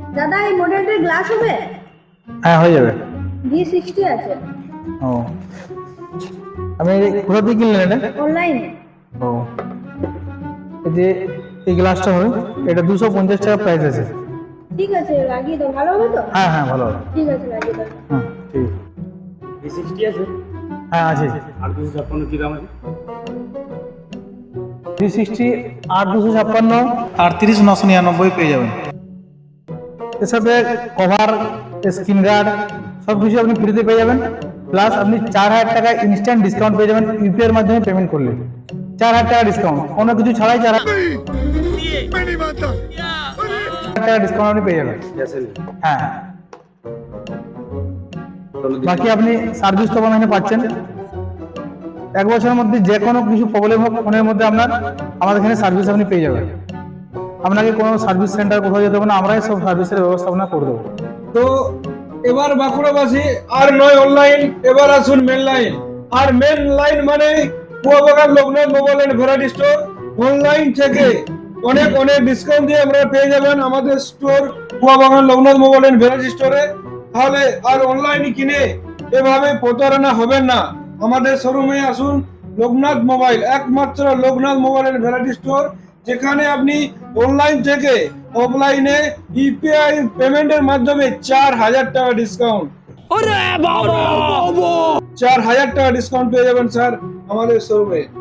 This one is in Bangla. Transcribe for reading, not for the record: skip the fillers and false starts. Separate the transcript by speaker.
Speaker 1: দাদা এই মডেলটার গ্লাস হবে?
Speaker 2: হ্যাঁ হয়ে যাবে।
Speaker 1: V60 আছে।
Speaker 2: ও আপনি কোথা থেকে কিনলেন এটা?
Speaker 1: অনলাইনে।
Speaker 2: ও এই যে এই গ্লাসটা হবে, এটা 250 টাকা প্রাইস আছে।
Speaker 1: ঠিক আছে লাগিয়ে দাও, ভালো হবে তো?
Speaker 2: হ্যাঁ হ্যাঁ ভালো হবে।
Speaker 1: ঠিক আছে লাগিয়ে দাও।
Speaker 2: হুম ঠিক আছে।
Speaker 3: V60 আছে
Speaker 2: হ্যাঁ আছে।
Speaker 3: আর 256 কি দাম আছে?
Speaker 2: 360 আর 256 আর 30999 পেয়ে যাবেন। এর সাথে কভার, স্ক্রিন গার্ড সব কিছু আপনি ফ্রিতে পেয়ে যাবেন। প্লাস আপনি 4000 টাকা ইনস্ট্যান্ট ডিসকাউন্ট পেয়ে যাবেন ইউপিআই এর মাধ্যমে পেমেন্ট করলে। 4000 টাকা ডিসকাউন্ট, কোনো কিছু ছাড়াই 4000 টাকা ডিসকাউন্ট আপনি পেয়ে যাবেন। হ্যাঁ বাকি আপনি সার্ভিস তো এখানে পাচ্ছেন। 1 বছরের মধ্যে যে কোনো কিছু প্রবলেম হোক ফোনের মধ্যে আপনার, আমাদের এখানে সার্ভিস আপনি পেয়ে যাবেন। আপনাকে কোনো সার্ভিস সেন্টার কোথাও যেতে হবে না, আমরাই সব সার্ভিসের ব্যবস্থাপনা করে দেবো।
Speaker 4: তো এবার বাঁকুড়াবাসী আর নয় অনলাইন, এবার আসুন মেন লাইন। আর মেন লাইন মানে Kuyabagan Loknath mobile and variety store. Online থেকে অনেক অনেক ডিসকাউন্ট দিয়ে আমরা পেয়ে যাবেন আমাদের store Kuyabagan Loknath mobile and variety স্টোরে। তাহলে আর অনলাইনে কিনে এভাবে প্রতারণা হবেন না। আমাদের শোরুমে আসুন, লোকনাথ মোবাইল, একমাত্র Loknath mobile and variety store, যেখানে আপনি অনলাইন থেকে অফলাইনে ইউপিআই পেমেন্টের মাধ্যমে 4000 টাকা ডিসকাউন্ট, 4000 টাকা ডিসকাউন্ট পেয়ে যাবেন স্যার আমাদের শোরুমে।